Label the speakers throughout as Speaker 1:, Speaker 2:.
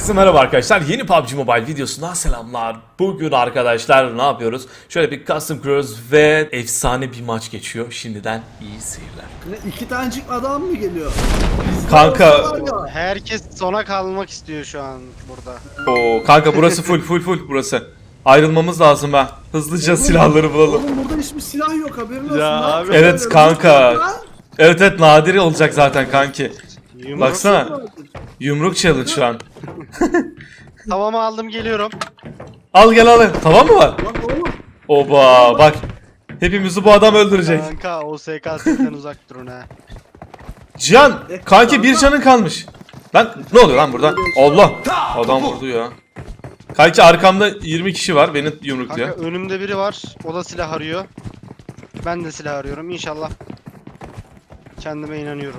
Speaker 1: Herkese merhaba arkadaşlar. Yeni PUBG Mobile videosundan selamlar. Bugün arkadaşlar ne yapıyoruz? Şöyle bir custom kuruyoruz ve efsane bir maç geçiyor. Şimdiden iyi seyirler.
Speaker 2: Ne, iki tanecik adam mı geliyor?
Speaker 1: Kanka.
Speaker 3: Herkes sona kalmak istiyor şu an burada.
Speaker 1: Oo, kanka burası full burası. Ayrılmamız lazım ha. Hızlıca silahları bulalım.
Speaker 2: Oğlum burada hiçbir silah yok, haberin olsun.
Speaker 3: Ya
Speaker 2: lan.
Speaker 3: abi.
Speaker 1: Evet
Speaker 2: Böyle
Speaker 1: kanka.
Speaker 2: bir silah var.
Speaker 1: Evet nadir olacak zaten kanki.
Speaker 3: Yumruk.
Speaker 1: Baksana. Yumruk challenge şu an.
Speaker 3: Tavamı aldım, geliyorum.
Speaker 1: Al gel al. Tamam mı var?
Speaker 2: Lan oğlum.
Speaker 1: Oba bak. Hepimizi bu adam öldürecek.
Speaker 3: Kanka o SKS'den uzak durun ha.
Speaker 1: Cihan kanki bir canın kalmış. Lan ne oluyor lan burada? Allah. Adam vurdu ya. Kanki arkamda 20 kişi var beni yumrukluyor.
Speaker 3: Kanka önümde biri var. O da silah arıyor. Ben de silah arıyorum inşallah. Kendime inanıyorum.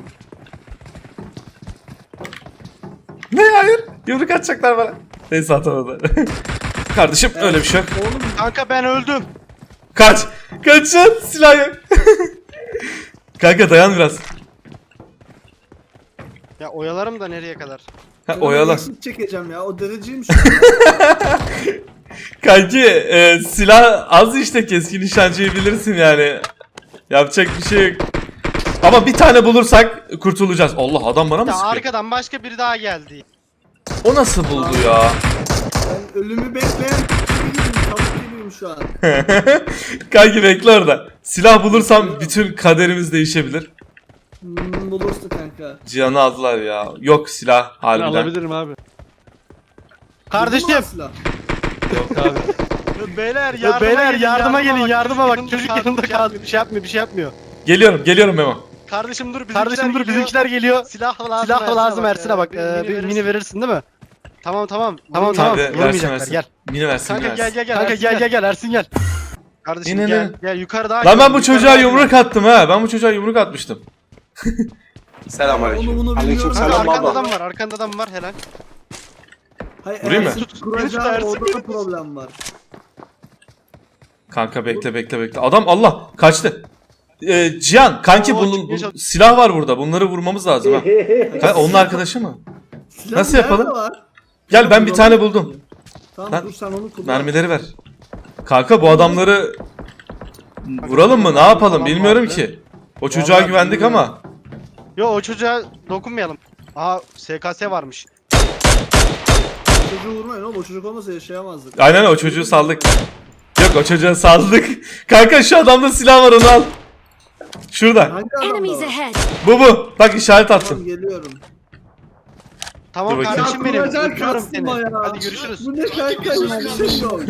Speaker 1: Ne hayır? Yumruk atacaklar bana. Neyse atamadı. Kardeşim öyle bir şey yok.
Speaker 2: Oğlum
Speaker 3: Kanka ben öldüm.
Speaker 1: Kaç. Kaçın silah yok. Kanka dayan biraz.
Speaker 3: Ya oyalarım da nereye kadar?
Speaker 1: Ha, oyala.
Speaker 2: exit çekeceğim ya, o dereceymiş.
Speaker 1: Kanki silah az işte, keskin nişancıyı bilirsin yani. Yapacak bir şey yok. Ama bir tane bulursak kurtulacağız. Allah adam bana mı
Speaker 3: Ya
Speaker 1: sıkıyor?
Speaker 3: arkadan başka biri daha geldi.
Speaker 1: O nasıl buldu ya?
Speaker 2: Ben ölümü bekleyen kişi gibiyim, tavuk gibiyim şu an.
Speaker 1: Kanki bekle orada. Silah bulursam bütün kaderimiz değişebilir.
Speaker 2: Bulursun kanka.
Speaker 1: Cihan'ı aldılar ya. Yok silah
Speaker 4: Ben
Speaker 1: harbiden.
Speaker 4: alabilirim abi.
Speaker 3: Kardeşim.
Speaker 2: Buldun mu silah?
Speaker 4: Yok abi.
Speaker 3: Beyler yardıma gelin yardıma bak. Çocuk yanında kaldı. Bir şey yapmıyor.
Speaker 1: Geliyorum Memo.
Speaker 3: Kardeşim dur bizimkiler geliyor. Silah lazım Ersin'e bak. Bir mini verirsin değil mi? Tamam.
Speaker 1: Tamam,
Speaker 3: Vurmayacaklar,
Speaker 1: versin.
Speaker 3: gel.
Speaker 1: Mini versin.
Speaker 3: Kanka
Speaker 1: mini versin.
Speaker 3: gel Ersin gel. Kardeşim
Speaker 1: İnelim.
Speaker 3: gel yukarıda.
Speaker 1: Lan ben bu çocuğa yumruk attım ha. Ben bu çocuğa yumruk atmıştım.
Speaker 2: Onu bunu bilmiyorum.
Speaker 3: Kanka arkanda adam var helal.
Speaker 2: Hayır,
Speaker 1: Vurayım mı?
Speaker 2: Kuracağım,
Speaker 3: Ersin,
Speaker 2: orada da problem var.
Speaker 1: Kanka bekle. Adam Allah kaçtı. Cihan kanki
Speaker 3: Oo,
Speaker 1: bunun
Speaker 3: çıkmaya çalış-
Speaker 1: silah var burada. Bunları vurmamız lazım ha. Kanka, onun arkadaşı mı?
Speaker 2: Silah
Speaker 1: Nasıl
Speaker 2: nerede
Speaker 1: yapalım?
Speaker 2: var?
Speaker 1: Gel ben bir tane buldum.
Speaker 2: Tamam
Speaker 1: Lan,
Speaker 2: dur sen onu kullan.
Speaker 1: Mermileri ver. Kanka bu adamları vuralım mı? Ne yapalım bilmiyorum ki. O çocuğa
Speaker 2: Vallahi
Speaker 1: güvendik
Speaker 2: bilmiyorum.
Speaker 1: ama.
Speaker 3: Yo o çocuğa dokunmayalım. Aha SKS varmış.
Speaker 2: Çocuğu vurmayın oğlum, o çocuk olmasa yaşayamazdık.
Speaker 1: Aynen o çocuğu saldık. Yok o çocuğa saldık. Kanka şu adamda silah var, onu al. Şurada.
Speaker 2: Hangi adamda
Speaker 5: Enemies
Speaker 2: var?
Speaker 5: ahead!
Speaker 1: Bu. Bak işaret
Speaker 2: Tamam
Speaker 1: attım.
Speaker 2: geliyorum.
Speaker 3: Tamam
Speaker 1: Dur bakayım.
Speaker 3: kardeşim benim.
Speaker 2: Kuracak
Speaker 3: Öpüyorum
Speaker 2: kastım
Speaker 3: seni.
Speaker 2: ya.
Speaker 3: Hadi görüşürüz.
Speaker 2: Bu ne kanka, hiçbir şey yok.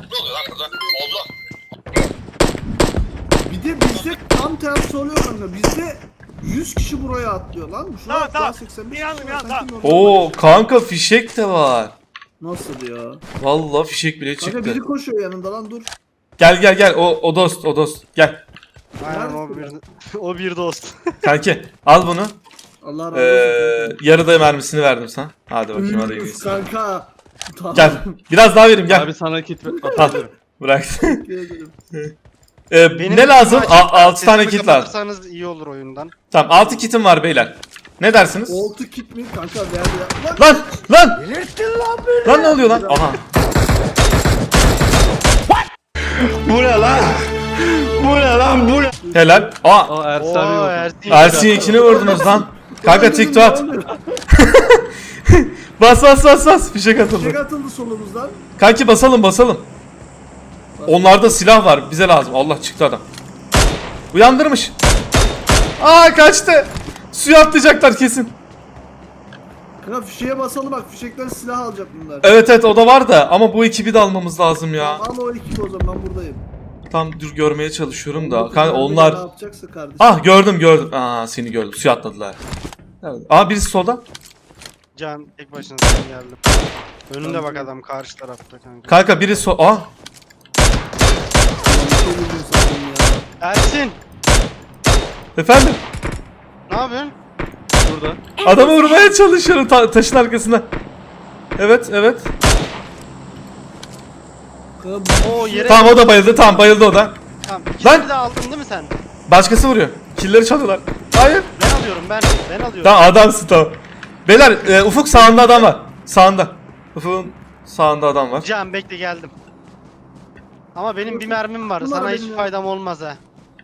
Speaker 2: Bir de bizde tam tersi oluyor kanka. Bizde 100 kişi buraya atlıyor lan. Şuraya tamam. 85 kişi var. Sanki normal.
Speaker 1: Oo kanka fişek de var.
Speaker 2: Nasıl ya?
Speaker 1: Vallahi fişek bile
Speaker 2: Kanka
Speaker 1: çıktı.
Speaker 2: biri koşuyor yanında lan, dur.
Speaker 1: Gel o dost gel.
Speaker 3: Aynen o bir dost.
Speaker 1: Kanki al bunu.
Speaker 2: Allah razı olsun.
Speaker 1: Yarıda mermisini verdim sana. Hadi bakayım hadi
Speaker 2: Üf,
Speaker 1: gidiyorsun.
Speaker 2: kanka. Tamam.
Speaker 1: Gel. Biraz daha vereyim gel.
Speaker 4: Abi sana kit
Speaker 1: Al.
Speaker 4: atıyorum.
Speaker 1: Bırak.
Speaker 2: Teşekkür ederim.
Speaker 1: Ne lazım? 6 tane kit lazım.
Speaker 3: Kapatırsanız iyi olur oyundan.
Speaker 1: Tamam 6 kitim var beyler. Ne dersiniz?
Speaker 2: Oltu kit mi kanka, verdi ya. Lan!
Speaker 1: Lan! Lan ne oluyor lan? Aha. Helal. Aa,
Speaker 4: Aa Ersin
Speaker 3: Oo
Speaker 4: abi yok.
Speaker 3: Ersin.
Speaker 1: Ersin ikini vurdunuz lan. Kanka TikTok at. Bas. Fişek atıldı.
Speaker 2: Tek atıldı solumuzdan.
Speaker 1: Kanki basalım. Onlarda silah var. Bize lazım. Allah çıktı adam. Uyandırmış. Aa kaçtı. Suya atlayacaklar kesin.
Speaker 2: Kanka fişeğe basalım bak, fişekten silah alacak bunlar.
Speaker 1: Evet o da var da ama bu ekibi de almamız lazım ya.
Speaker 2: Al o ekibi o zaman, ben buradayım.
Speaker 1: Tam dur görmeye çalışıyorum da. Kanka
Speaker 2: Ne
Speaker 1: onlar...
Speaker 2: yapacaksa kardeşim.
Speaker 1: Ah gördüm. Aa seni gördüm. Suya atladılar. Evet. Aa birisi solda.
Speaker 3: Can tek başına sen geldim. Önünde bak adam karşı tarafta kanka.
Speaker 1: Kanka biri Aa
Speaker 2: Bir şey bilmiyorum sandım ya.
Speaker 3: Ersin
Speaker 1: efendim.
Speaker 3: ne yapıyorsun?
Speaker 4: Burada.
Speaker 1: Adamı vurmaya çalışıyorum taşın arkasında. Evet.
Speaker 2: Kanka bu
Speaker 3: Oo yere
Speaker 1: Tamam o da bayıldı. Tamam bayıldı o da.
Speaker 3: tamam.
Speaker 1: Lan!
Speaker 3: İkisini de aldın değil mi sen?
Speaker 1: Başkası vuruyor. Killeri çalıyorlar. Hayır.
Speaker 3: Ben alıyorum ben alıyorum.
Speaker 1: Tamam adamsın tamam. Beyler Ufuk sağında adam var. Sağında. Ufuk'un sağında adam var.
Speaker 3: Can bekle geldim. Ama benim bir mermim var.
Speaker 2: Bunlar
Speaker 3: Sana
Speaker 2: benim
Speaker 3: hiçbir
Speaker 2: ya.
Speaker 3: faydam olmaz ha.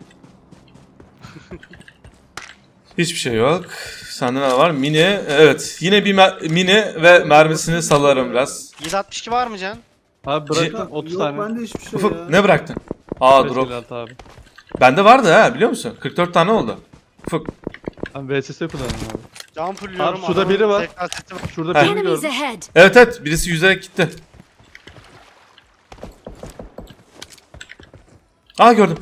Speaker 1: Hiçbir şey yok. Sende ne var? Mini. Evet. Yine bir mini ve mermisini salarım biraz.
Speaker 3: 762 var mı Can?
Speaker 4: Abi bıraktım 30
Speaker 2: Yok
Speaker 4: tane.
Speaker 2: bende hiçbir şey
Speaker 1: Ufuk
Speaker 2: ya.
Speaker 1: ne bıraktın? Aa drop.
Speaker 4: 556 abi.
Speaker 1: Bende vardı ha biliyor musun? 44 tane oldu. Ufuk.
Speaker 4: Ben VSS kullanıyorum abi.
Speaker 3: Can fulluyorum.
Speaker 4: Abi şurada
Speaker 3: adamın
Speaker 4: biri var.
Speaker 3: tekrar seti var.
Speaker 4: Şurada
Speaker 1: Ha.
Speaker 4: birini
Speaker 5: Enemies
Speaker 4: gördüm.
Speaker 5: ahead.
Speaker 1: Evet evet birisi yüzerek gitti. Aa gördüm.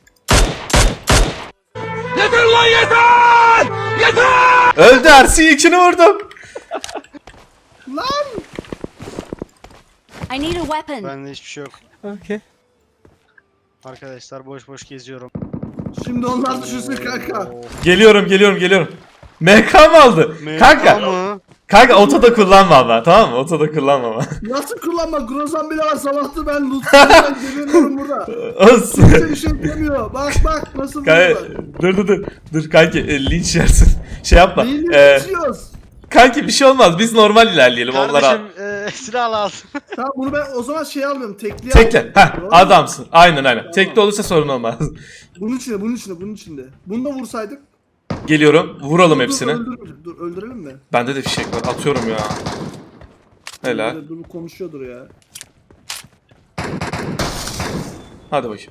Speaker 1: Yeter lan yeter! Yeter! Öldü Ersin ikini vurdum.
Speaker 2: Lan!
Speaker 5: I need a weapon.
Speaker 3: Bende hiçbir şey yok.
Speaker 1: Okay.
Speaker 3: Arkadaşlar boş boş geziyorum.
Speaker 2: Şimdi onlar düşünsün kanka.
Speaker 1: Geliyorum. MK mı aldı? Kanka.
Speaker 3: Mı?
Speaker 1: Kanka otoda kullanma ama tamam mı? Otoda kullanma ama.
Speaker 2: Nasıl kullanma? Grozan bile var. Sabahtı ben loot'tan geliyorum burada.
Speaker 1: Olsun.
Speaker 2: Kimse bir şey demiyor. Bak nasıl
Speaker 1: Kanka,
Speaker 2: vuruyorlar.
Speaker 1: dur kanki linç yersin. Şey yapma.
Speaker 2: Neyi geçiyoruz?
Speaker 1: Kanki bir şey olmaz. Biz normal ilerleyelim. Onlara
Speaker 3: Kardeşim silah lazım.
Speaker 2: Tamam bunu ben o zaman şey alıyorum. Tekli
Speaker 1: tekle.
Speaker 2: alıyorum.
Speaker 1: Heh,
Speaker 2: Doğru mu?
Speaker 1: adamsın. Aynen.
Speaker 2: Tamam.
Speaker 1: Tekli olursa sorun olmaz.
Speaker 2: Bunun içinde. Bunu da vursaydık.
Speaker 1: Geliyorum. Vuralım
Speaker 2: Dur,
Speaker 1: hepsini.
Speaker 2: Dur öldürelim mi?
Speaker 1: Bende de fişek var. Atıyorum ya. Helal.
Speaker 2: Dur konuşuyordur ya.
Speaker 1: Hadi bakayım.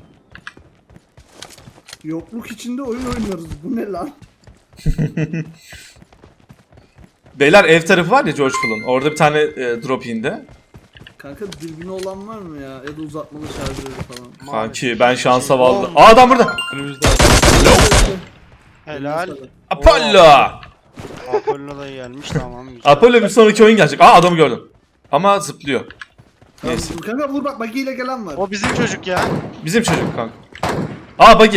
Speaker 2: Yokluk içinde oyun oynuyoruz. Bu ne lan?
Speaker 1: Beyler ev tarafı var ya George Floyd'un. Orada bir tane drop indi.
Speaker 2: Kanka dürbünü olan var mı ya? Ya da uzatmalı şarjörü falan.
Speaker 1: Kanki ben şansa vallahi. Aa adam burada.
Speaker 4: Önümüzde.
Speaker 3: Helal.
Speaker 1: Apollo.
Speaker 3: Apollo da gelmiş tamam. Güzel.
Speaker 1: Apollo bir sonraki oyun gelecek. Aa adamı gördüm. Ama zıplıyor. Neyse.
Speaker 2: Tamam, kanka vur bak bagiyle gelen var.
Speaker 3: O bizim çocuk ya.
Speaker 1: Bizim çocuk kanka. Aa buggy.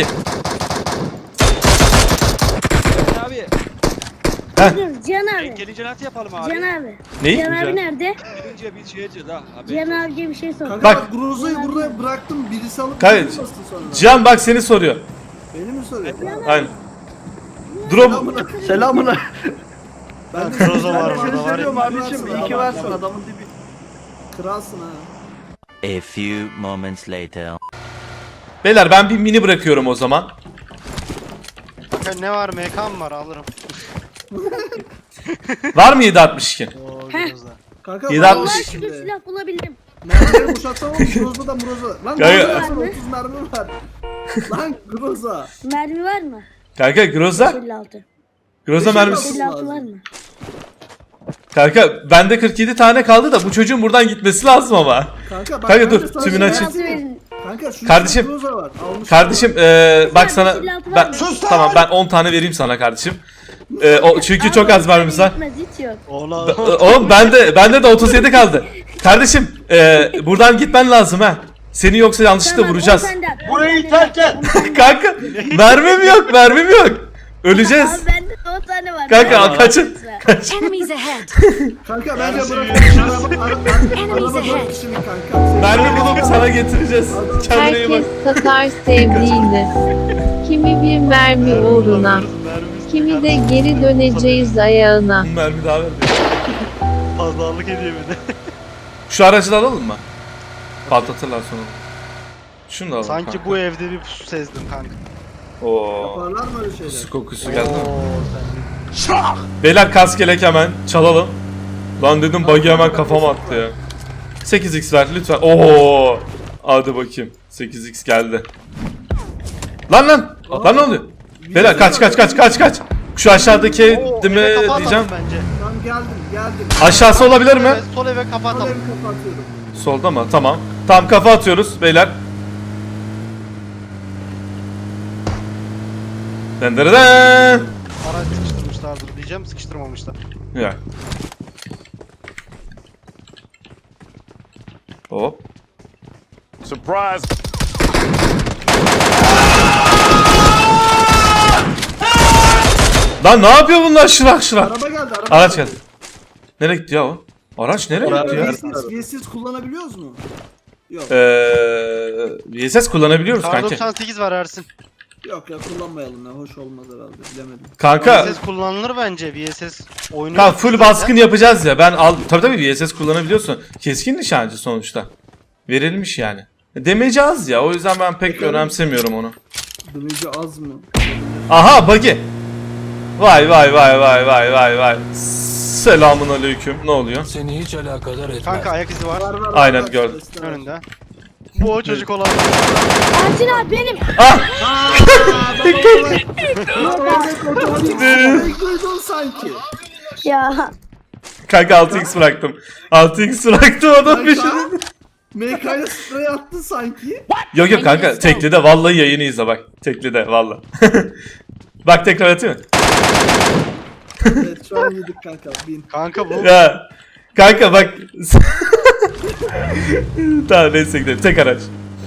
Speaker 6: Abi
Speaker 7: Cihan abi.
Speaker 6: gelince nasıl yapalım abi?
Speaker 7: Cihan abi.
Speaker 1: Neyi?
Speaker 7: Cihan abi nerede?
Speaker 6: Gelince biz şey edeceğiz ha. Abi.
Speaker 7: Cihan abiye bir şey sor.
Speaker 2: Kanka
Speaker 1: Bak.
Speaker 2: bak Groza'yı burada bıraktım. Birisi alıp
Speaker 1: Kanka,
Speaker 2: beni bastı sonra.
Speaker 1: Cihan bak seni soruyor.
Speaker 2: Beni mi soruyor?
Speaker 1: Aynen. Drop.
Speaker 2: Selamına. Ben de
Speaker 3: Groza var
Speaker 2: ben de
Speaker 3: burada,
Speaker 2: seni
Speaker 3: var ya.
Speaker 2: seviyorum abicim. İyi ki varsın adamın dibi. Kralsın ha.
Speaker 8: A few moments later.
Speaker 1: Beyler ben bir mini bırakıyorum o zaman.
Speaker 3: Kanka ne var MK mı var alırım.
Speaker 1: Var mı 762?
Speaker 3: Oo
Speaker 7: Heh.
Speaker 3: Groza.
Speaker 2: Kanka
Speaker 1: 7.60.
Speaker 2: var
Speaker 7: Allah
Speaker 2: mı
Speaker 7: şükür
Speaker 2: şimdi?
Speaker 7: silah bulabildim.
Speaker 2: Mermileri boşaltsam ama Groza da Groza. Lan
Speaker 1: Kanka-
Speaker 2: Groza versene 30 mermi var. Lan Groza.
Speaker 7: Mermi var mı?
Speaker 1: Kanka Groza.
Speaker 7: 56.
Speaker 1: Groza mermisi.
Speaker 7: 56 var mı?
Speaker 1: Kanka bende 47 tane kaldı da bu çocuğun buradan gitmesi lazım ama.
Speaker 2: Kanka bak.
Speaker 1: Kanka
Speaker 2: ben
Speaker 1: dur,
Speaker 2: de sana
Speaker 1: tümünü
Speaker 2: şey
Speaker 1: açayım.
Speaker 2: yapayım.
Speaker 7: Verin.
Speaker 2: Kanka şu
Speaker 1: Kardeşim.
Speaker 2: Groza var. Almış.
Speaker 1: Kardeşim bak sana ben
Speaker 7: Sus
Speaker 1: tamam ben 10 tane vereyim sana kardeşim. Çünkü çok az mermimiz var.
Speaker 7: Yetmez, hiç yok.
Speaker 1: Oğlum bende de 37 kaldı. Kardeşim buradan gitmen lazım ha. Seni yoksa yanlışlıkla
Speaker 7: Tamam,
Speaker 1: vuracağız.
Speaker 7: o sende.
Speaker 6: Burayı terk et.
Speaker 1: Kanka mermim yok. Öleceğiz.
Speaker 7: Abi bende 10 tane var.
Speaker 1: Kanka kaçın.
Speaker 5: Enemies ahead.
Speaker 2: Kanka bence
Speaker 3: Mersi
Speaker 2: bırak.
Speaker 3: veriyorum.
Speaker 2: Araba 4 kişinin kanka.
Speaker 1: Mermi bulup sana getireceğiz. Kendine iyi bak.
Speaker 9: Herkes satar sevdiğini. Kimi bir mermi uğruna, kimi de geri döneceğiz ayağına.
Speaker 1: Mermi daha ver.
Speaker 3: Fazlalık ediyor bir de.
Speaker 1: Şu aracı da alalım mı? Patlatırlar sonra. Şunu da alalım
Speaker 3: Sanki
Speaker 1: kanka.
Speaker 3: bu evde bir pusu sezdim kanka.
Speaker 1: Oo.
Speaker 2: Yaparlar mı öyle şeyler?
Speaker 1: Su kokusu geldi mi?
Speaker 3: Oo, sen
Speaker 1: Beyler kask yelek hemen çalalım. Lan dedim buggy hemen kafama attı ya. 8x ver lütfen. Oo. Hadi bakayım. 8x geldi. Lan ne oluyor? Beyler kaç. Şu aşağıdaki
Speaker 3: Oo,
Speaker 1: değil mi
Speaker 3: eve kafa
Speaker 1: diyeceğim.
Speaker 3: atalım bence.
Speaker 2: Tamam geldim.
Speaker 1: Aşağısı olabilir mi?
Speaker 3: Evet, sol eve kafa
Speaker 2: Sol
Speaker 3: atalım.
Speaker 2: evi kapatıyorum.
Speaker 1: Solda mı? Tamam. Tamam kafa atıyoruz beyler. Dendere.
Speaker 3: Araç sıkıştırmışlardır diyeceğim, sıkıştırmamışlar.
Speaker 1: Ya. Hop.
Speaker 10: Surprise!
Speaker 1: Lan ne yapıyor bunlar şırak?
Speaker 2: Araba geldi.
Speaker 1: Araç geldi. Nereye gitti ya o? Araç nereye gitti ya?
Speaker 2: VSS kullanabiliyoruz mu? Yok.
Speaker 1: VSS kullanabiliyoruz
Speaker 3: Kar
Speaker 1: kanki.
Speaker 3: 98 var Ersin.
Speaker 2: Yok ya kullanmayalım ya. Hoş olmaz herhalde. Bilemedim.
Speaker 1: Kanka
Speaker 3: VSS kullanılır bence. VSS oyunu.
Speaker 1: Kanka full baskın yapacağız ya. Tabii VSS kullanabiliyorsun. Keskin nişancı sonuçta. Verilmiş yani. Demeci az ya. O yüzden ben pek önemsemiyorum onu.
Speaker 2: Dövücü az mı?
Speaker 1: Aha buggy. Vay vay vay vay vay vay vay. Selamun aleyküm. Ne oluyor?
Speaker 5: Seni hiç alakadar etmez.
Speaker 3: Kanka ayak izi var.
Speaker 2: Var,
Speaker 1: Aynen, gördüm.
Speaker 3: Önünde. Bu o çocuk olan.
Speaker 7: Ersin abi benim.
Speaker 1: Ah!
Speaker 2: Duydun sanki.
Speaker 7: Ya.
Speaker 1: Kanka 6x bıraktım. 6x bıraktım adam peşine.
Speaker 2: MK'ya sprey attın sanki.
Speaker 1: Yok yok kanka teklide vallahi yayını izle bak. Teklide vallahi. Bak tekrar atayım mı?
Speaker 2: Evet şu an yedik kanka. Bin.
Speaker 3: Kanka bu.
Speaker 1: Ya. Kanka bak. Tamam neyse gidelim. Tek araç.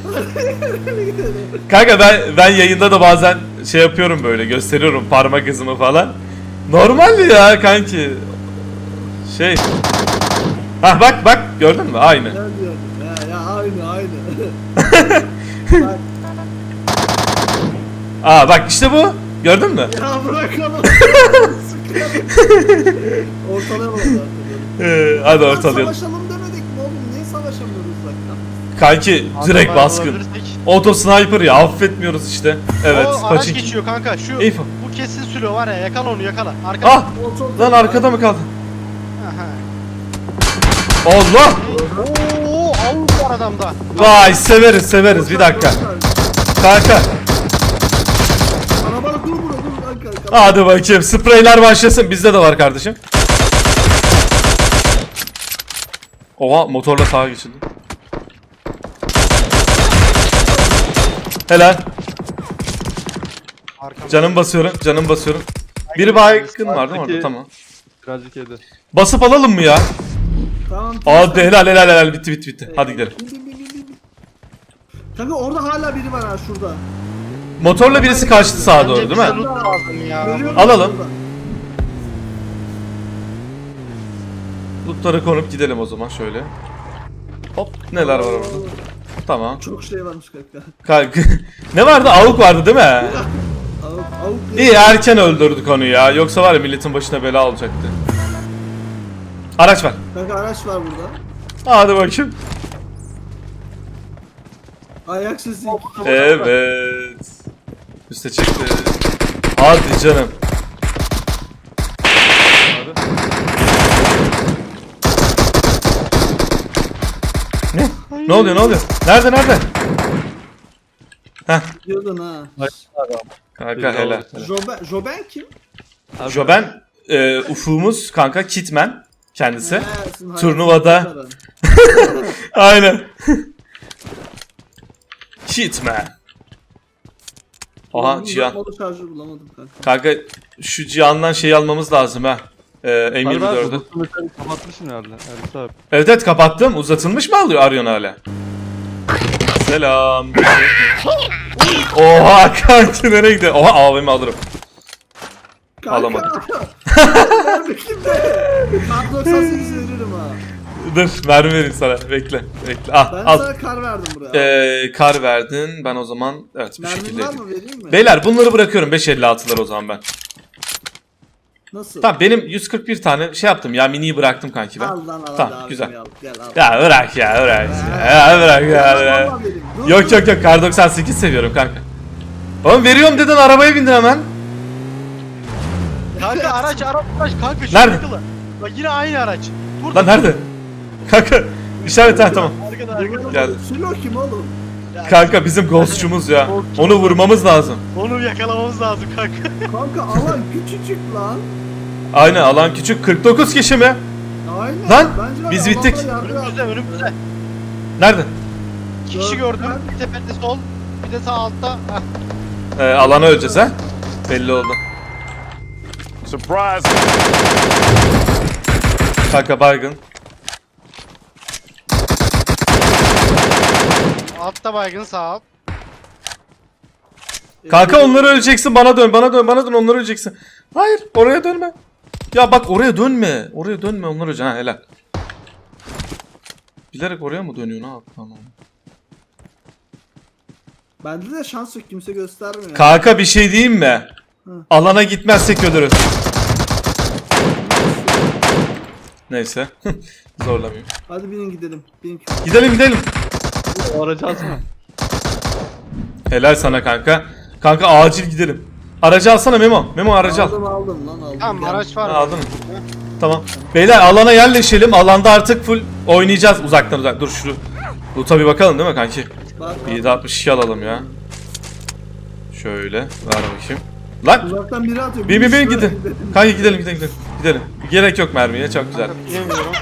Speaker 1: Kanka ben yayında da bazen şey yapıyorum böyle gösteriyorum parmak izimi falan. Normal ya kanki. Şey. Hah bak gördün mü? Aynı.
Speaker 2: Ne diyorum? Ya aynı. Bak,
Speaker 1: Aa bak işte bu. Gördün mü?
Speaker 2: ya bırakalım. Ortalama oldu.
Speaker 1: Hadi ortalayalım.
Speaker 2: Savaşalım demedik mi oğlum? Niye savaşamıyoruz uzaktan?
Speaker 1: Kanki direkt
Speaker 3: Acaba
Speaker 1: baskın.
Speaker 3: alabilirsek?
Speaker 1: Auto sniper ya affetmiyoruz işte. Evet.
Speaker 3: O araç
Speaker 1: Paçin.
Speaker 3: geçiyor kanka. Şu
Speaker 1: Eyfo.
Speaker 3: bu kesin sülü var ya. Yakala onu yakala. Arkada.
Speaker 1: Ah! Lan arkada mı kaldın?
Speaker 3: Aha.
Speaker 1: Allah!
Speaker 3: Oo, Avrupa var adamda.
Speaker 1: Vay severiz bir dakika. Kanka
Speaker 2: Arabada dur kanka.
Speaker 1: hadi bakayım spreyler başlasın bizde de var kardeşim. Oha motorla sağa geçildi. Helal.
Speaker 3: Arkamda.
Speaker 1: Canım basıyorum. Biri baygın var değil mi orada? Tamam.
Speaker 4: Birazcık yedi.
Speaker 1: Basıp alalım mı ya?
Speaker 2: Tamam.
Speaker 1: Hadi helal bitti. Hadi gidelim.
Speaker 2: Bin. Kanka orada hala biri var ha şurada.
Speaker 1: Motorla birisi kaçtı sağa doğru
Speaker 3: Bence
Speaker 1: değil
Speaker 3: bize
Speaker 1: mi?
Speaker 3: loot lazım ya.
Speaker 2: Görüyorum
Speaker 1: Alalım.
Speaker 2: şurada.
Speaker 1: Lootlara konup gidelim o zaman şöyle. Hop neler var orada? Tamam.
Speaker 2: Çok şey varmış kanka.
Speaker 1: Kanka ne vardı? Avuk vardı değil mi?
Speaker 2: Avuk
Speaker 1: İyi erken öldürdük onu ya. Yoksa var ya milletin başına bela olacaktı. Araç var.
Speaker 2: Kanka araç var burada.
Speaker 1: Hadi bakayım.
Speaker 2: Ayak sesi.
Speaker 1: Evet. Üste çıktı. Hadi canım. Ne? Ne oluyor? Nerede? Heh.
Speaker 2: Diyordun ha.
Speaker 1: Kanka helal.
Speaker 2: Joben kim?
Speaker 1: Joben ufuğumuz kanka Kitman kendisi.
Speaker 2: He, sizin
Speaker 1: Turnuvada.
Speaker 2: hayatınızda.
Speaker 1: Aynen. Hitman. Aha Cihan.
Speaker 2: Modu şarjı bulamadım kanka.
Speaker 1: Kanka şu Cihan'dan şey almamız lazım ha. M24'ü.
Speaker 4: Kapatmışsın herhalde. Ersin abi.
Speaker 1: Evet kapattım. Uzatılmış mı arıyorsun hala? Selam. Oha kanki nereye gidiyor? Oha AVM alırım.
Speaker 2: Kanka.
Speaker 1: Alamadım.
Speaker 2: Ben kimde? Kar 98 veririm ha.
Speaker 1: Dur mermi vereyim sana. Bekle. Ah,
Speaker 2: Ben
Speaker 1: al.
Speaker 2: sana kar verdim buraya.
Speaker 1: Kar verdin. Ben o zaman evet bu
Speaker 2: Mermin
Speaker 1: şekilde
Speaker 2: var
Speaker 1: edeyim.
Speaker 2: mı vereyim mi?
Speaker 1: Beyler bunları bırakıyorum 5.56'lar o zaman ben.
Speaker 2: Nasıl?
Speaker 1: Tamam benim 141 tane şey yaptım ya miniyi bıraktım kanki ben.
Speaker 2: Al lan al.
Speaker 1: Tamam,
Speaker 2: hadi
Speaker 1: güzel.
Speaker 2: abimi al, Gel al.
Speaker 1: Ya bırak ya. Ya bırak ya.
Speaker 2: Vallahi vereyim. Dur,
Speaker 1: Yok
Speaker 2: dur.
Speaker 1: kar 98 seviyorum kanka. Oğlum veriyorum dedin arabaya bindin hemen.
Speaker 3: Kanka araç kanka şu
Speaker 1: Nerede?
Speaker 3: yakala. Bak yine aynı araç. Dur.
Speaker 1: Lan nerede? Kanka işaret ha tamam.
Speaker 3: Arkada.
Speaker 1: Geldi.
Speaker 2: Silo kim oğlum?
Speaker 1: Kanka bizim ghostçumuz ya. Onu vurmamız lazım.
Speaker 3: Onu yakalamamız lazım kanka.
Speaker 2: Kanka alan küçücük lan.
Speaker 1: Aynen alan küçük 49 kişi mi?
Speaker 2: Aynen.
Speaker 1: Lan,
Speaker 2: Bence var
Speaker 1: biz
Speaker 2: ya,
Speaker 1: bittik.
Speaker 2: adamlar yardım
Speaker 3: Önümüzde
Speaker 2: yaptı.
Speaker 3: önümüzde.
Speaker 1: Nerede?
Speaker 3: İki kişi gördüm. Bir tepede sol. Bir de sağ altta. Heh.
Speaker 1: Alana öleceğiz ha. Belli oldu.
Speaker 10: Surprise.
Speaker 1: Kanka baygın.
Speaker 3: Altta baygın sağ alt.
Speaker 1: Kanka onları öleceksin bana dön onları öleceksin. Hayır oraya dönme. Ya bak oraya dönme. Oraya dönme onları öleceksin ha helal. Bilerek oraya mı dönüyor ne yaptın lan?
Speaker 2: Bende de şans yok, kimse göstermiyor.
Speaker 1: Kanka bir şey diyeyim mi?
Speaker 2: Hı.
Speaker 1: Alana gitmezsek ölürüz. Neyse. Zorlamayayım.
Speaker 2: Hadi binin gidelim. Binin.
Speaker 1: Gidelim gidelim.
Speaker 4: O aracı alsana.
Speaker 1: Helal sana kanka. Kanka acil gidelim. Aracı alsana Memo. Memo aracı al.
Speaker 2: Aldım lan aldım.
Speaker 3: Tamam
Speaker 2: Gel.
Speaker 3: araç var.
Speaker 1: Ha, aldın mı? Tamam. Beyler alana yerleşelim. Alanda artık full oynayacağız uzaktan uzak. Dur şu loot'a bir bakalım değil mi kanki?
Speaker 2: Bak,
Speaker 1: Bir 762 alalım ya. Şöyle ver bakayım. Lan
Speaker 2: uzaktan biri atıyor.
Speaker 1: bin
Speaker 2: Şöyle
Speaker 1: gidin. Kanki gidelim. Gidelim. Gerek yok mermiye çok güzel.
Speaker 3: Yemiyorum.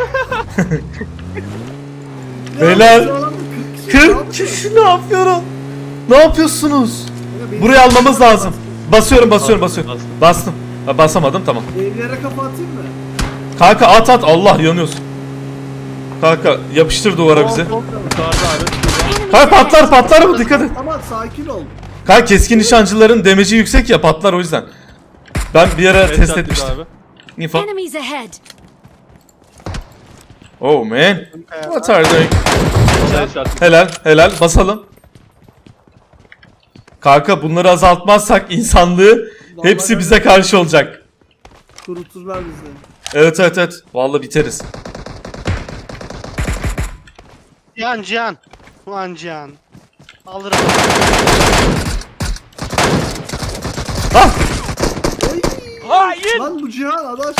Speaker 1: Beyler,
Speaker 2: şu alanda
Speaker 1: 40
Speaker 2: kişi
Speaker 1: kişi ne yapıyorum? Ne yapıyorsunuz?
Speaker 2: Benim
Speaker 1: Burayı almamız lazım. Basıyorum.
Speaker 4: Bastım.
Speaker 1: Bastım. Ha, basamadım tamam.
Speaker 2: evlere kafa atayım mı?
Speaker 1: Kanka at Allah yanıyorsun. Kanka yapıştır duvara bizi.
Speaker 4: Yukarıda abi.
Speaker 1: Kanka patlar mı dikkat et.
Speaker 2: Ama sakin ol.
Speaker 1: Kanka keskin nişancıların damage'i yüksek ya patlar o yüzden. Ben bir ara test
Speaker 4: Headshot
Speaker 1: etmiştim.
Speaker 4: abi.
Speaker 1: Info.
Speaker 7: Enemies ahead.
Speaker 1: Oh man. What are you doing?
Speaker 4: Headshot.
Speaker 1: Helal basalım. Kanka bunları azaltmazsak insanlığı hepsi bize karşı olacak.
Speaker 2: Kuruturlar bizi.
Speaker 1: Evet. Vallahi biteriz.
Speaker 3: Cihan. Ulan Cihan. Alırım.
Speaker 1: Ah!
Speaker 6: Hayır.
Speaker 2: Lan bu Cihan adaş.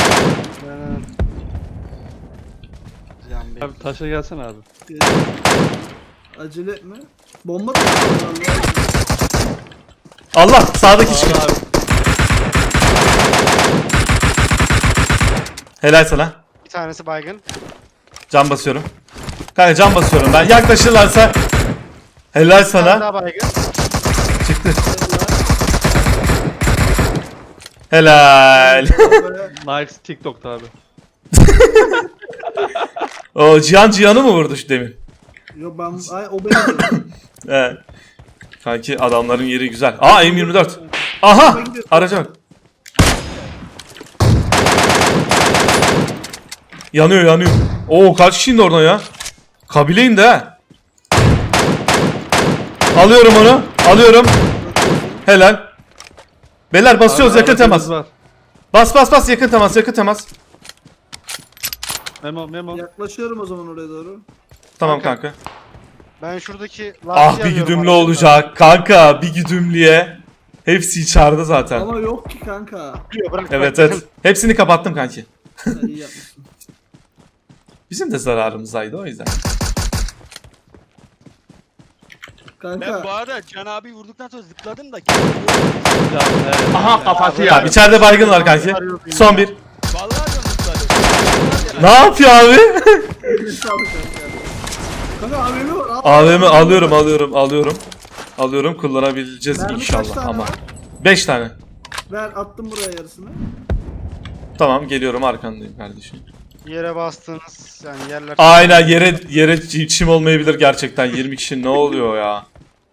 Speaker 3: Cihan Bey.
Speaker 4: Abi taşa gelsene abi.
Speaker 2: Acele etme. Bomba da var.
Speaker 1: Allah sağdaki çıkıyor.
Speaker 4: Abi.
Speaker 1: Helal sana.
Speaker 3: Bir tanesi baygın.
Speaker 1: Can basıyorum. Kanka can basıyorum ben. Yaklaşırlarsa helal
Speaker 3: Bir tane
Speaker 1: sana.
Speaker 3: daha baygın.
Speaker 1: Çıktı. Helal.
Speaker 4: Nice TikTok'ta abi.
Speaker 1: O Cihan'ı mı vurdu şu demin?
Speaker 2: Yo ben o benim.
Speaker 1: Evet. Kanki adamların yeri güzel. Aa M24. Aha! Araca bak. Yanıyor. Oo kaç kişi indi oradan ya? Kabile indi ha. Alıyorum onu. Helal. Beyler basıyoruz
Speaker 4: Abi,
Speaker 1: yakın temas.
Speaker 4: aracımız var.
Speaker 1: Bas yakın temas.
Speaker 4: Memo.
Speaker 2: Yaklaşıyorum o zaman oraya doğru.
Speaker 1: Tamam kanka.
Speaker 3: Ben şuradaki
Speaker 1: Ah
Speaker 3: lastiği
Speaker 1: bir
Speaker 3: alıyorum
Speaker 1: güdümlü
Speaker 3: aracımda.
Speaker 1: olacak. Kanka bir güdümlüye. Hepsi içeride zaten.
Speaker 2: Ama yok ki kanka.
Speaker 3: Bırak,
Speaker 1: Evet. Hepsini kapattım kanki.
Speaker 2: Ha, iyi yapmışsın.
Speaker 1: Bizim de zararımızdaydı o yüzden.
Speaker 6: Ben bu
Speaker 2: Kanka.
Speaker 6: arada Can abi vurduktan sonra zıpladım da.
Speaker 10: Aha kafası
Speaker 1: Ya
Speaker 10: ya.
Speaker 1: içeride baygın var kanki. Son bir.
Speaker 6: Vallahi ben zıpladım.
Speaker 1: Ne yapıyor abi?
Speaker 2: Sağlık kanka. Kanka AVM var.
Speaker 1: AVM alıyorum. Kullanabileceğiz
Speaker 2: Mermi kaç
Speaker 1: inşallah
Speaker 2: tane
Speaker 1: ama.
Speaker 2: var?
Speaker 1: 5 tane.
Speaker 2: Ver attım buraya yarısını.
Speaker 1: Tamam geliyorum arkandayım kardeşim.
Speaker 3: Yere bastığınız yani yerler.
Speaker 1: Aynen yere çim olmayabilir gerçekten. 20 kişi ne oluyor ya?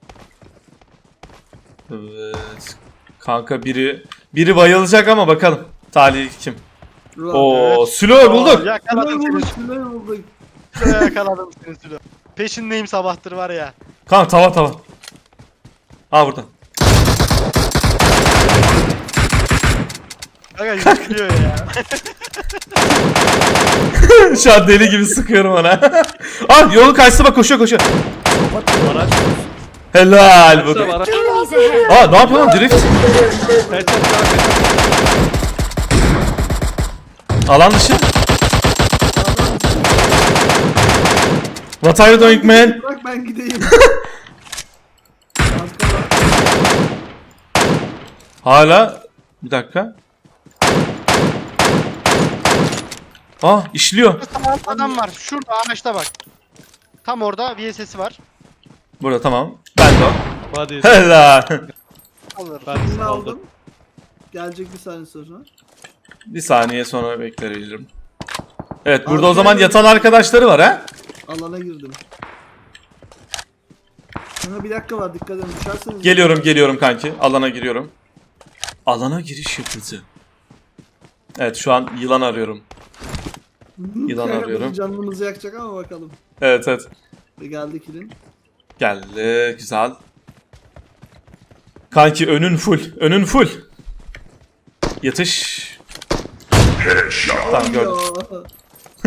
Speaker 1: Evet. Kanka biri bayılacak ama bakalım. Talih kim? Oo, Sülo bulduk.
Speaker 3: Yakaladım seni.
Speaker 2: Şunları bulduk.
Speaker 3: Yakaladım seni Sülo. Peşindeyim sabahtır var ya.
Speaker 1: Kanka tava. Ha burada.
Speaker 3: Kanka yıkılıyor ya.
Speaker 1: Şu an deli gibi sıkıyorum ona. Ah yolun karşısına bak koşuyor.
Speaker 4: Araç.
Speaker 1: Helal bu.
Speaker 4: Araç.
Speaker 7: Enemies ahead.
Speaker 1: Aa ne yapıyor lan drift?
Speaker 4: Headshot.
Speaker 1: Alan dışı. What are you doing man?
Speaker 2: Bırak ben gideyim.
Speaker 1: Hala bir dakika. Ah işliyor.
Speaker 3: Adam var. Şurada ağaçta bak. Tam orada VSS'i var.
Speaker 1: Burada tamam. Ben de o.
Speaker 4: Hadi.
Speaker 1: Helal.
Speaker 3: Alır.
Speaker 4: Ben
Speaker 2: Birini
Speaker 4: de
Speaker 2: aldım.
Speaker 4: aldım.
Speaker 2: Gelecek bir saniye sonra.
Speaker 1: Bir saniye sonra bekleyebilirim. Evet burada o zaman yatan arkadaşları var ha?
Speaker 2: Alana girdim. Kanka bir dakika var dikkat edin düşerseniz.
Speaker 1: Geliyorum kanki. Alana giriyorum. Alana giriş yapıldı. Evet şu an yılan arıyorum. Yılan
Speaker 2: Kanka,
Speaker 1: arıyorum.
Speaker 2: bizim canımızı yakacak ama bakalım.
Speaker 1: Evet.
Speaker 2: Ve geldi kilin.
Speaker 1: Geldi güzel. Kanki önün full. Önün full. Yatış. Tamam gördüm.
Speaker 2: Ya.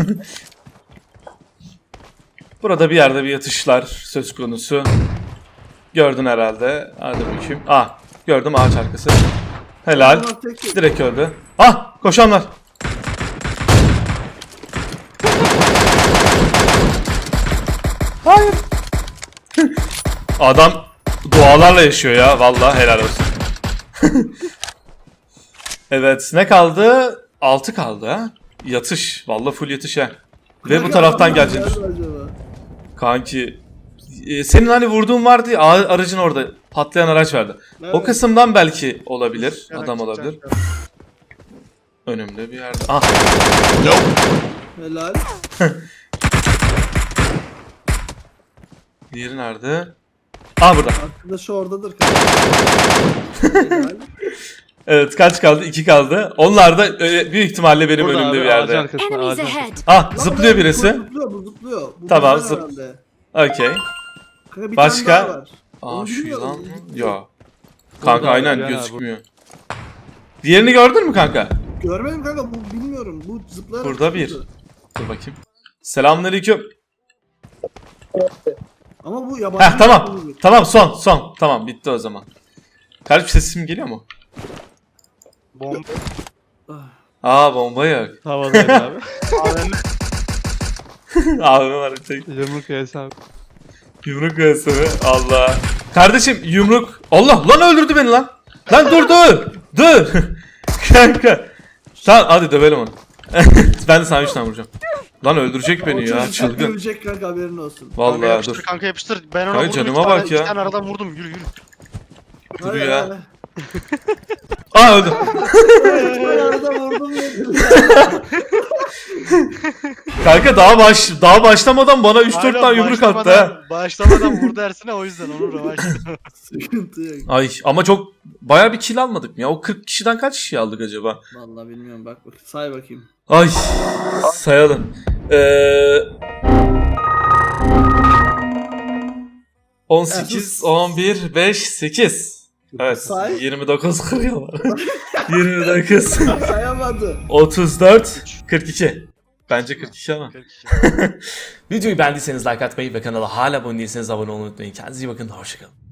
Speaker 1: Burada bir yerde bir yatışlar söz konusu. Gördün herhalde. Hadi bakayım. Ah gördüm ağaç arkası. Helal.
Speaker 2: Adamlar tek tek.
Speaker 1: Direkt öldü. Ah koşanlar. Hayır. Adam dualarla yaşıyor ya. Vallahi helal olsun. Evet ne kaldı? 6 kaldı ha. Yatış. Vallahi full yatış ha. Ve bu taraftan
Speaker 2: Adamlar
Speaker 1: gelecekmiş.
Speaker 2: nerede acaba?
Speaker 1: Kanki senin hani vurduğun vardı ya aracın orada patlayan araç vardı. O
Speaker 2: Evet.
Speaker 1: kısımdan belki olabilir.
Speaker 3: Yarak
Speaker 1: Adam
Speaker 3: çıkacak.
Speaker 1: olabilir. Önümde bir yerde. Ah
Speaker 2: Helal.
Speaker 1: diğeri nerede? Ah burada.
Speaker 2: Arkadaşı oradadır. Helal.
Speaker 1: Evet kaç kaldı? 2 kaldı. Onlar da büyük ihtimalle benim
Speaker 4: Burada
Speaker 1: önümde
Speaker 4: abi
Speaker 1: bir
Speaker 4: ağacın
Speaker 1: yerde.
Speaker 4: arkasında.
Speaker 7: Enemies
Speaker 4: Ağacın
Speaker 7: ahead.
Speaker 4: arkasında.
Speaker 1: Ah
Speaker 2: Lan
Speaker 1: zıplıyor
Speaker 2: bu
Speaker 1: birisi.
Speaker 2: Zıplıyor bu zıplıyor. Bu
Speaker 1: Tamam,
Speaker 2: bizden
Speaker 1: zıp-
Speaker 2: herhalde.
Speaker 1: Okey.
Speaker 2: Kanka bir
Speaker 1: Başka?
Speaker 2: tane daha var.
Speaker 1: Aa
Speaker 2: Onu
Speaker 1: şu
Speaker 2: bilmiyorum.
Speaker 1: yılan mı? Ya. Kanka
Speaker 4: Burada
Speaker 1: aynen
Speaker 4: abi,
Speaker 1: gözükmüyor. Diğerini gördün mü kanka?
Speaker 2: Görmedim kanka bu bilmiyorum. Bu zıplayarak
Speaker 1: Burada bir.
Speaker 2: çıktı.
Speaker 1: Dur bakayım. Selamünaleyküm.
Speaker 2: Ama bu yabancı.
Speaker 1: Heh tamam. Tamam son. Tamam bitti o zaman. Kalp sesim geliyor mu?
Speaker 3: Bomba.
Speaker 1: Aa bomba yok.
Speaker 4: Havadaydı abi.
Speaker 3: AVM.
Speaker 1: Abi var bir tek.
Speaker 4: Yumruk yesi abi.
Speaker 1: Yumruk göğsümü. Allah. Kardeşim yumruk. Allah lan öldürdü beni lan. Lan dur. Kanka. Tamam hadi dövelim onu. Ben de sana 3 tane vuracağım. Lan öldürecek beni ya çılgın.
Speaker 2: Ölecek kanka haberin olsun.
Speaker 3: Kanka
Speaker 1: Vallahi
Speaker 3: yapıştır,
Speaker 1: dur.
Speaker 3: kanka yapıştır. Ben ona
Speaker 1: Kanka
Speaker 3: vurdum.
Speaker 1: canıma
Speaker 3: iki tane-
Speaker 1: bak ya.
Speaker 3: iki tane aradan vurdum. Yürü.
Speaker 1: Dur
Speaker 2: Hadi,
Speaker 1: ya.
Speaker 2: hadi.
Speaker 1: Aa öldü.
Speaker 2: Ben arada vurdum ya.
Speaker 1: Kanka daha başlamadan bana 3-4 tane yumruk attı ha.
Speaker 3: Başlamadan vurdu Ersin'e, o yüzden onu rövaşladı.
Speaker 2: Sıkıntı yok.
Speaker 1: Ay ama çok bayağı bir kill almadık mı ya? O 40 kişiden kaç kişi aldık acaba?
Speaker 2: Vallahi bilmiyorum bak say bakayım.
Speaker 1: Ay sayalım. 18, 11, 5, 8. Evet.
Speaker 2: Say.
Speaker 1: 29 kırıyorlar. 29,
Speaker 2: Sayamadı.
Speaker 1: 34, 42. Bence 42 ama.
Speaker 3: 42.
Speaker 1: Videoyu beğendiyseniz like atmayı ve kanala hala abone değilseniz abone olmayı unutmayın. Kendinize iyi bakın. Hoşçakalın.